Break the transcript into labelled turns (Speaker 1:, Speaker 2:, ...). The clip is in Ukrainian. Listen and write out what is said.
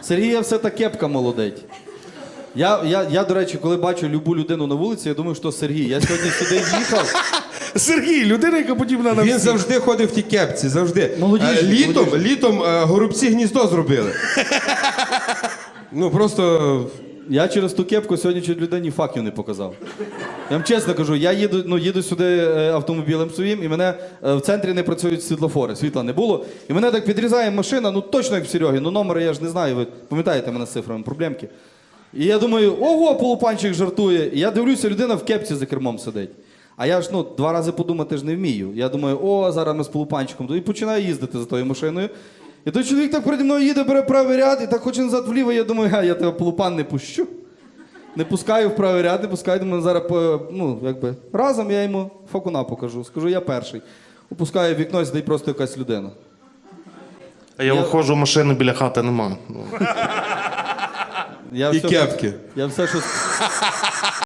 Speaker 1: Сергія все та кепка молодить. Я, до речі, коли бачу любу людину на вулиці, я думаю, що Сергій. Я сьогодні сюди їхав.
Speaker 2: Сергій, людина, яка подібна на
Speaker 3: Він
Speaker 2: всіх.
Speaker 3: завжди ходив в тій кепці, завжди.
Speaker 1: Молодіжний,
Speaker 3: Літом горобці гніздо зробили. Ну просто...
Speaker 1: Я через ту кепку сьогодні чуть людині факів не показав. Я вам чесно кажу, я їду сюди автомобілем своїм, і мене в центрі не працюють світлофори, світла не було. І мене так підрізає машина, ну точно як в Серьогі, ну номери я ж не знаю, ви пам'ятаєте мене з цифрами, проблемки. І я думаю, ого, полупанчик жартує. І я дивлюся, людина в кепці за кермом сидить. А я ж, 2 рази подумати ж не вмію. Я думаю, о, зараз ми з полупанчиком. І починаю їздити за тою машиною. І той чоловік так переді мною їде, бере правий ряд, і так хоче назад вліво, я думаю, я тебе полупан не пущу. Не пускаю в правий ряд, не пускаю, думаю, зараз, разом я йому факуна покажу. Скажу, я перший. Опускаю вікно, і сидить просто якась людина.
Speaker 4: А я виходжу, машини біля хати нема.
Speaker 1: Я
Speaker 3: І
Speaker 1: все,
Speaker 3: кепки.
Speaker 1: Я все, що...